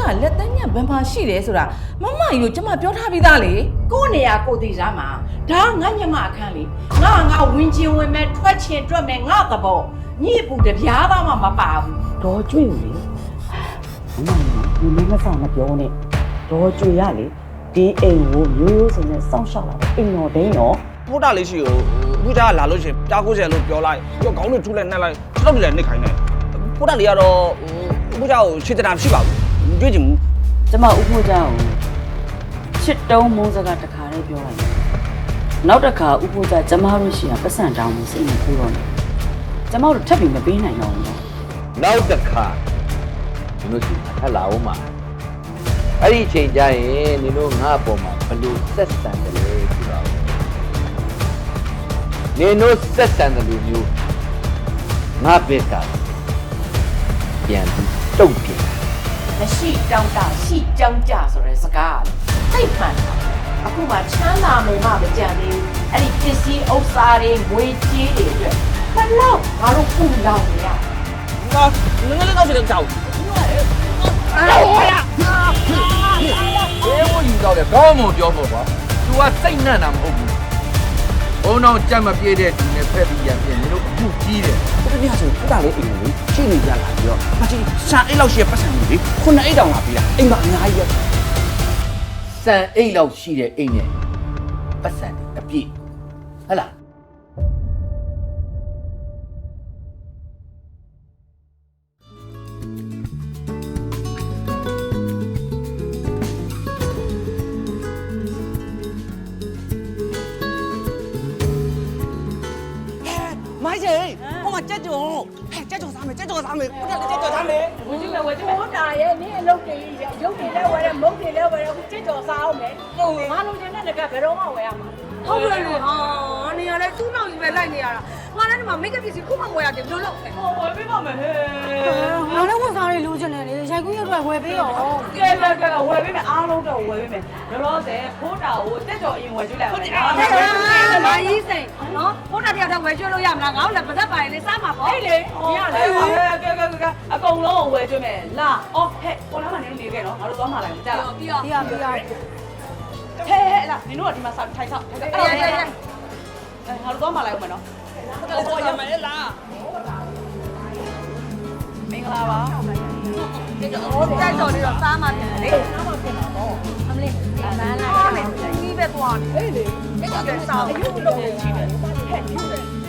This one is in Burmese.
လက်တန်းညံဘန်ပါရှိတယ်ဆိုတာမမကြီးတို့ကျမပြောထားပြီးသားလေကိုနေရကိုသေးစားမှာဒါငါညမအခန်းလေငါဝင်ချင်းဝင်မဲ့ထွက်ချင်တွက်မဲ့ငါသဘောညစ်ပူတပြားသားမှမပါဘူးဒေါ်ကျွေ့လေမမမဆောင်မပြောနဲ့ဒေါ်ကျွေ့ရလေဒီအိမ်ကိုမျိုးရိုးစင်နဲ့စောင့်ရှောက်လာတယ်အိမ်တော်ဒိန်းတော့ပို့တာလေးရှိကိုအခုကြားလာလို့ရှိရင်ကြား90လို့ပြောလိုက်ပြီးတော့ခေါင်းတွေထူးလိုက်နှက်လိုက်ခြေထောက်တွေလည်းနှိပ်ခိုင်းတယ်ပို့တာလေးကတော့အခုကြားကိုရှင်းတာမရှိပါဘူးတွေ့ချင်ဘူးကျမဥဖို့ကြောင့်ချစ်တုံးမုန်းစကားတစ်ခါလေးပြောလိုက်နောက်တစ်ခါဥဖို့ကြကျမတို့ရှိရပတ်စံတောင်းမှုစိတ်မကူတော့နဲ့ကျမတို့ထပ်ပြီးမပေးနိုင်တော့ဘူးနောက်တစ်ခါဒီလိုစီထပ်လာအောင်မှာအဲ့ဒီချိန်ကျရင်နင်တို့ငါ့အပေါ်မှာဘလို့ဆက်ဆံတယ်လဲဆိုတော့နင်တို့ဆက်ဆံတယ်လို့မျိုးငါဘက်ကပြန်ပြီးတုတ်ပြန်မရှိတောင်းတရှိကြောင်းကြဆိုတဲ့စကားသိမှန်တာအခုမှချမ်းသာမယ်မှမကြံသေးဘူးအဲ့ဒီပစ္စည်းဥစ္စာတွေငွေကြေးတွေအတွက်ဘယ်တော့ငါတို့ပူလောင်နေရငါငယ်လေးတော့ရှိတယ်ကြောက်ဘယ်လိုယူတော့လဲကောင်းမပြောဖို့ကွာ तू ကစိတ်နှံ့တာမဟုတ်ဘူးဘုံတော့ကြက်မပြေးတဲ့သူနဲ့ဖက်ပြီးရပြင်နင်တို့အခုကြီးတယ်တပြားဆိုပို့တာလေးအိမ်ကိုရှိနေကြလာပြီးတော့မကြီးရှာအိတ်လောက်ရှိပတ်စံနေလေခုနှစ်အိတ်တောင်လာပြီးတာအိမ်မှာအများကြီးပဲစံအိတ်လောက်ရှိတဲ့အိမ်နဲ့ပတ်စံတယ်အပြည့်ဟဟလားမိုင်းကြီးဟိုမှာကြက်ကြော်ဟဲ့ကြက်ကြော်စားမယ်ကြက်ကြော်စားမယ်ပို့တာလေးကြက်ကြော်စားမယ်ဝင်ကြည့်မယ်ဝင်ကြည့်မယ်ဟုတ်တာရဲ့နင်းအလုပ်တွေရုပ်တွေလည်းဝယ်တယ်မုတ်တွေလည်းဝယ်တယ်အခုကြက်ကြော်စားအောင်မယ်ငါလိုချင်တဲ့ကဘယ်တော့မှဝယ်ရမှာဟုတ်တယ်လေဟာနေရလဲသူ့နောက်ကြီးပဲလိုက်နေရတာငါလည်းဒီမှာမိတ်ကပ်ပစ္စည်းခုမှဝယ်ရတယ်ဘယ်လိုလုပ်လဲဟောဝယ်ပေးပါမယ်ဟဲ့ငါလည်းဝန်စားတွေလိုချင်တယ်လေရိုက်ကူးရုပ်တော့ဝယ်ပေးရောကဲဝယ်ပေးမယ်အားလုံးတော့ဝယ်ပေးမယ်လောလောဆယ်ဖိုးတာကိုတက်ကြော်အရင်ဝယ်ကြည့်လိုက်အောင်မာကြီးစိန်နော်ဘုရားတရားတော့ဝယ်ကျွလို့ရမလားငါ့ကိုလည်းပါသက်ပါရင်လေစားမှာပေါ့ဟေးလေဒီရလေကအကုန်လုံးကိုဝယ်ကြည့်မယ်လာအော်ဟဲ့ကိုလာမနေနေခဲ့နော်ငါတို့သွားမှလိုက်ကြလားပြီးရောဟဲ့လာနင်တို့ကဒီမှာထိုင်ဆောက်ငါတို့သွားမှလိုက်ဦးမယ်နော်ဟိုရမယ်လားမင်္ဂလာပါတက်တော်လေးတော့စားမှာပြန်လေစားမှာပြန်တော့အမလေးအမန်းလာတယ်ဒီပဲသွားဟေးလေတက်တော်စားအယုတ်လုံးချီတယ်ဟဲ့ယူတယ်